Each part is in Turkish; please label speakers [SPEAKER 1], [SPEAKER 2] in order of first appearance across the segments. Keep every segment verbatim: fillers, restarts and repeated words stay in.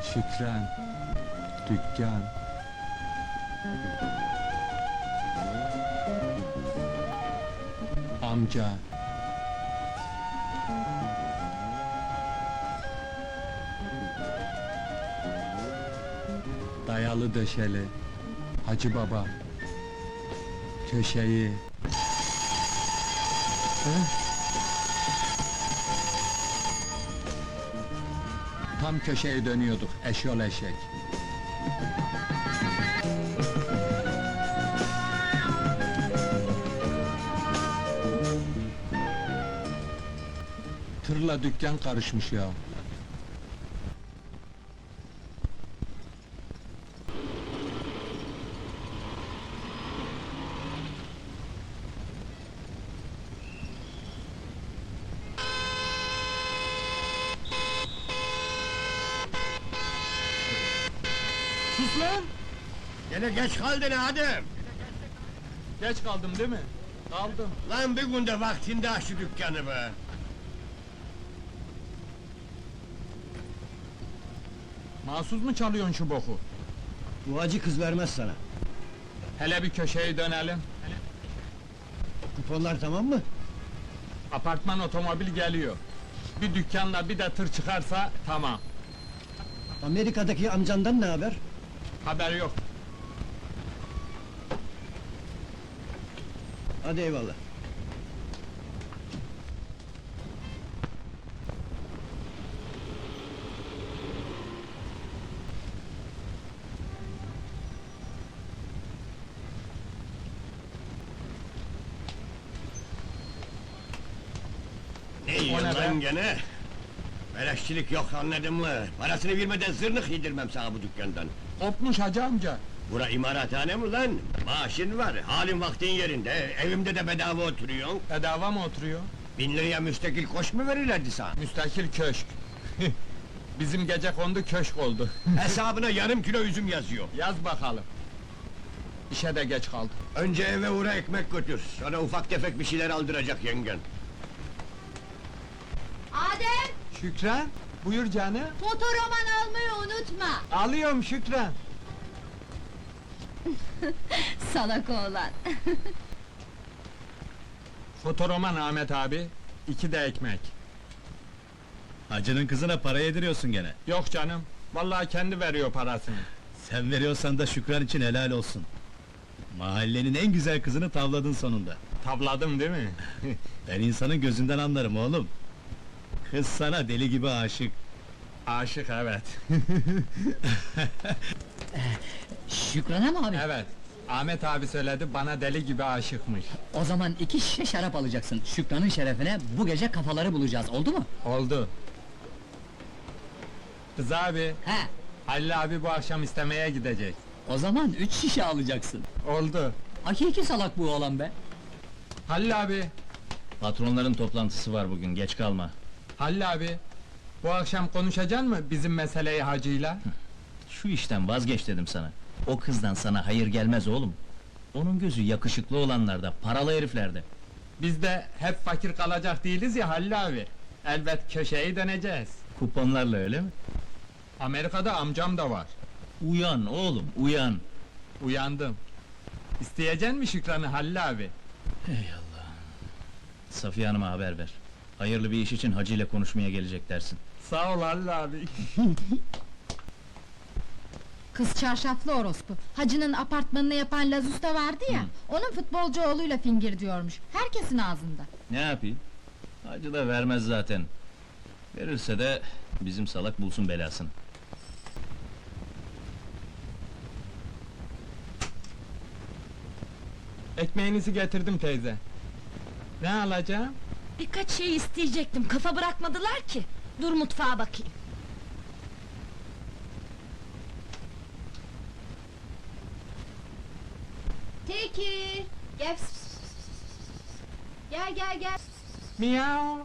[SPEAKER 1] Şükran, dükkan. Amca. Dayalı döşeli, Hacı Baba. Köşeyi. Hı? Tam köşeyi dönüyorduk, eşyol eşek. Tırla dükkan karışmış ya. Sus lan!
[SPEAKER 2] Gene geç kaldın Adem!
[SPEAKER 1] Geç kaldım değil mi? Kaldım.
[SPEAKER 2] Lan bir günde vaktinde aç şu dükkanı be!
[SPEAKER 1] Mahsus mu çalıyorsun şu boku?
[SPEAKER 2] Bu acı kız vermez sana.
[SPEAKER 1] Hele bir köşeyi dönelim.
[SPEAKER 2] Kuponlar tamam mı?
[SPEAKER 1] Apartman otomobil geliyor. Bir dükkanla bir de tır çıkarsa tamam.
[SPEAKER 2] Amerika'daki amcandan ne haber?
[SPEAKER 1] Haber yok.
[SPEAKER 2] Hadi eyvallah. Ne yiyorsun
[SPEAKER 1] ne
[SPEAKER 2] lan
[SPEAKER 1] be?
[SPEAKER 2] gene? Beleşçilik yok anladın mı? Parasını vermeden zırnık yedirmem sana bu dükkandan.
[SPEAKER 1] Kopmuş hacı amca.
[SPEAKER 2] Bura imarathane mi lan? Maaşın var, halin vaktin yerinde, evimde de bedava oturuyorsun.
[SPEAKER 1] Bedava mı oturuyor?
[SPEAKER 2] Bin liraya müstakil koş mu verirlerdi sana?
[SPEAKER 1] Müstakil köşk. Bizim gece kondu köşk oldu.
[SPEAKER 2] Hesabına yarım kilo üzüm yazıyor.
[SPEAKER 1] Yaz bakalım. İşe de geç kaldım.
[SPEAKER 2] Önce eve uğra ekmek götür, sonra ufak tefek bir şeyler aldıracak yengen.
[SPEAKER 3] Adem,
[SPEAKER 1] Şükran, buyur canım.
[SPEAKER 3] fotoroman almayı unutma.
[SPEAKER 1] Alıyorum Şükran.
[SPEAKER 3] Salak oğlan.
[SPEAKER 1] Fotoroman Ahmet abi, iki de ekmek.
[SPEAKER 4] Hacının kızına para yediriyorsun gene.
[SPEAKER 1] Yok canım, vallahi kendi veriyor parasını.
[SPEAKER 4] Sen veriyorsan da Şükran için helal olsun. Mahallenin en güzel kızını tavladın sonunda.
[SPEAKER 1] Tavladım değil mi?
[SPEAKER 4] Ben insanın gözünden anlarım oğlum. Kız sana deli gibi aşık.
[SPEAKER 1] Aşık evet.
[SPEAKER 5] Şükran'a mı abi?
[SPEAKER 1] Evet, Ahmet abi söyledi, bana deli gibi aşıkmış.
[SPEAKER 5] O zaman iki şişe şarap alacaksın. Şükran'ın şerefine bu gece kafaları bulacağız, oldu mu?
[SPEAKER 1] Oldu. Kız abi,
[SPEAKER 5] He,
[SPEAKER 1] Halil abi bu akşam istemeye gidecek.
[SPEAKER 5] o zaman üç şişe alacaksın.
[SPEAKER 1] Oldu.
[SPEAKER 5] Hakiki salak bu oğlan be!
[SPEAKER 1] Halil abi,
[SPEAKER 4] Patronların toplantısı var bugün, geç kalma.
[SPEAKER 1] Halil abi, bu akşam konuşacaksın mı bizim meseleyi hacıyla?
[SPEAKER 4] Şu işten vazgeç dedim sana. O kızdan sana hayır gelmez oğlum. Onun gözü yakışıklı olanlarda, paralı heriflerde.
[SPEAKER 1] Biz de hep fakir kalacak değiliz ya Halil abi. Elbet köşeyi döneceğiz.
[SPEAKER 4] Kuponlarla öyle mi?
[SPEAKER 1] Amerika'da amcam da var.
[SPEAKER 4] Uyan oğlum, uyan!
[SPEAKER 1] Uyandım. İsteyecek mi Şükran'ı Halil abi?
[SPEAKER 4] Safiye Hanım'a haber ver. Hayırlı bir iş için Hacı ile konuşmaya gelecek dersin.
[SPEAKER 1] Sağ ol Halil abi.
[SPEAKER 3] Kız çarşaflı orospu. Hacının apartmanını yapan Laz Usta vardı ya, onun futbolcu oğluyla fingir diyormuş. Herkesin ağzında.
[SPEAKER 4] Ne yapayım? Hacı da vermez zaten. Verirse de bizim salak bulsun belasını.
[SPEAKER 1] Ekmeğinizi getirdim teyze. Ne alacağım?
[SPEAKER 6] Birkaç şey isteyecektim, kafa bırakmadılar ki. Dur mutfağa bakayım.
[SPEAKER 3] Teki, gel. Gel gel gel.
[SPEAKER 1] Miau.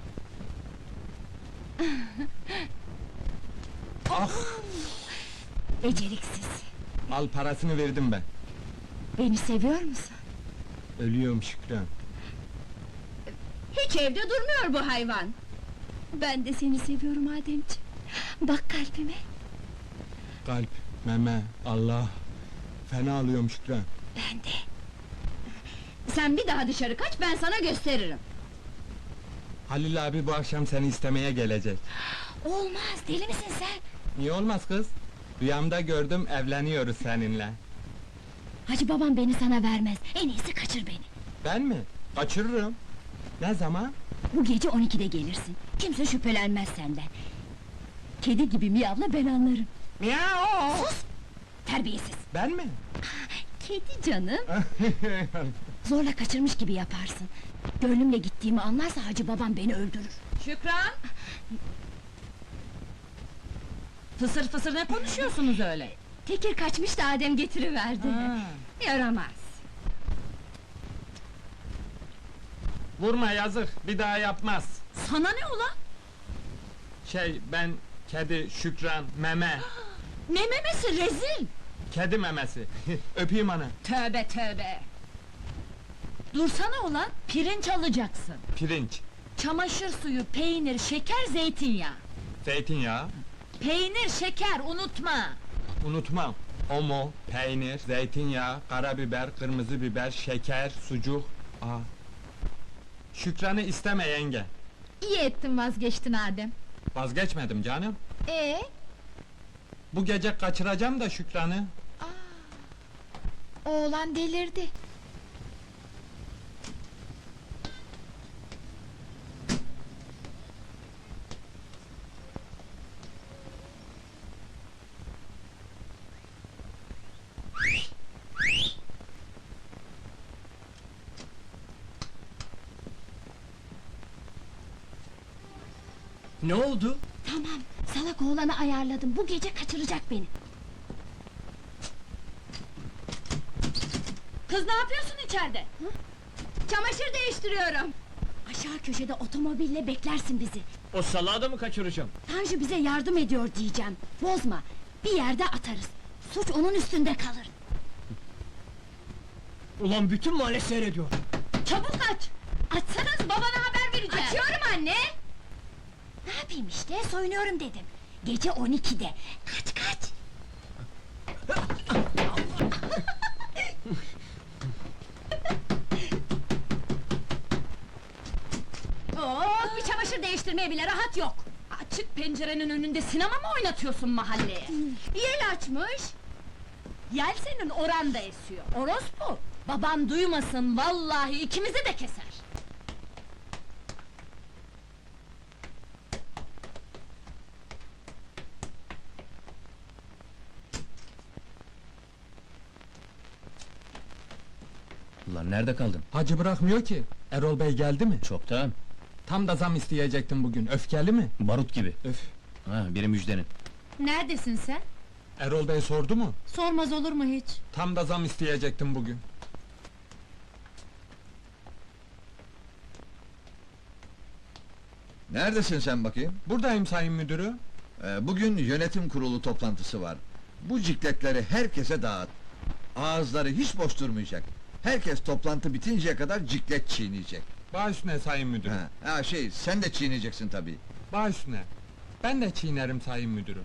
[SPEAKER 1] Ah!
[SPEAKER 6] Beceriksiz.
[SPEAKER 1] Al parasını verdim ben.
[SPEAKER 6] Beni seviyor musun?
[SPEAKER 1] Ölüyorum Şükran.
[SPEAKER 3] Hiç evde durmuyor bu hayvan.
[SPEAKER 6] Ben de seni seviyorum Ademciğim. Bak kalbime.
[SPEAKER 1] kalp, meme, Allah. Fena alıyorum Şükran.
[SPEAKER 6] Ben de. Sen bir daha dışarı kaç, ben sana gösteririm.
[SPEAKER 1] Halil abi bu akşam seni istemeye gelecek.
[SPEAKER 6] Olmaz, deli misin sen?
[SPEAKER 1] Niye olmaz kız? Rüyamda gördüm, evleniyoruz seninle.
[SPEAKER 6] Hacı babam beni sana vermez, en iyisi kaçır beni.
[SPEAKER 1] Ben mi? Kaçırırım. Ne zaman?
[SPEAKER 6] Bu gece on ikide gelirsin, kimse şüphelenmez senden. Kedi gibi miyavla, ben anlarım.
[SPEAKER 1] Miau!
[SPEAKER 6] Sus! Terbiyesiz!
[SPEAKER 1] Ben mi?
[SPEAKER 6] Kedi canım! Zorla kaçırmış gibi yaparsın. Gönlümle gittiğimi anlarsa hacı babam beni öldürür.
[SPEAKER 7] Şükran! Fısır fısır ne konuşuyorsunuz öyle?
[SPEAKER 6] Tekir kaçmış da Adem getiriverdi.
[SPEAKER 7] Ha.
[SPEAKER 6] Yaramaz!
[SPEAKER 1] Vurma yazık, bir daha yapmaz.
[SPEAKER 7] Sana ne ulan?
[SPEAKER 1] Şey, ben kedi, Şükran, meme.
[SPEAKER 7] Ne memesi rezil!
[SPEAKER 1] Kedi memesi. Öpeyim ana.
[SPEAKER 7] Tövbe tövbe! Dursana ulan, pirinç alacaksın.
[SPEAKER 1] Pirinç,
[SPEAKER 7] Çamaşır suyu, peynir, şeker, zeytinyağı.
[SPEAKER 1] zeytinyağı,
[SPEAKER 7] Peynir, şeker, unutma!
[SPEAKER 1] unutmam. Omo, peynir, zeytinyağı, karabiber, kırmızı biber, şeker, sucuk. Aa. Şükran'ı isteme yenge.
[SPEAKER 3] İyi ettin vazgeçtin Adem.
[SPEAKER 1] Vazgeçmedim canım.
[SPEAKER 3] Ee,
[SPEAKER 1] Bu gece kaçıracağım da Şükran'ı.
[SPEAKER 3] oğlan delirdi.
[SPEAKER 5] Ne oldu?
[SPEAKER 6] Tamam, salak oğlanı ayarladım, bu gece kaçıracak beni.
[SPEAKER 7] Kız ne yapıyorsun içeride?
[SPEAKER 6] Çamaşır değiştiriyorum. Aşağı köşede otomobille beklersin bizi.
[SPEAKER 2] O salağı da mı kaçıracağım?
[SPEAKER 6] Tanju bize yardım ediyor diyeceğim. Bozma, bir yerde atarız. Suç onun üstünde kalır.
[SPEAKER 5] Ulan bütün mahalle seyrediyor.
[SPEAKER 6] Çabuk aç! Açsanız babana haber vereceğim. Açıyorum anne! Ne yapayım işte, soyunuyorum dedim. Gece on ikide. Kaç kaç!
[SPEAKER 7] Oo, bir çamaşır değiştirmeye bile rahat yok! Açık pencerenin önünde sinema mı oynatıyorsun mahalleye?
[SPEAKER 6] Yel açmış!
[SPEAKER 7] Yel senin oranda esiyor, orospu! Baban duymasın, vallahi ikimizi de keser!
[SPEAKER 4] Ulan nerede kaldın?
[SPEAKER 1] Hacı bırakmıyor ki. Erol Bey geldi mi?
[SPEAKER 4] Çoktan.
[SPEAKER 1] Tam da zam isteyecektim bugün. Öfkeli mi?
[SPEAKER 4] Barut gibi.
[SPEAKER 1] Öf.
[SPEAKER 4] Ha, biri müjdenin.
[SPEAKER 3] Neredesin sen?
[SPEAKER 1] Erol Bey sordu mu?
[SPEAKER 3] Sormaz olur mu hiç?
[SPEAKER 1] Tam da zam isteyecektim bugün.
[SPEAKER 8] Neredesin sen bakayım?
[SPEAKER 1] Buradayım sayın müdürü.
[SPEAKER 8] Ee, bugün yönetim kurulu toplantısı var. Bu cikletleri herkese dağıt. Ağızları hiç boş durmayacak. Herkes toplantı bitinceye kadar ciklet çiğneyecek.
[SPEAKER 1] Baş üstüne sayın müdürü.
[SPEAKER 8] Ha, ha şey, sen de çiğneyeceksin tabii.
[SPEAKER 1] Baş üstüne. Ben de çiğnerim sayın müdürü.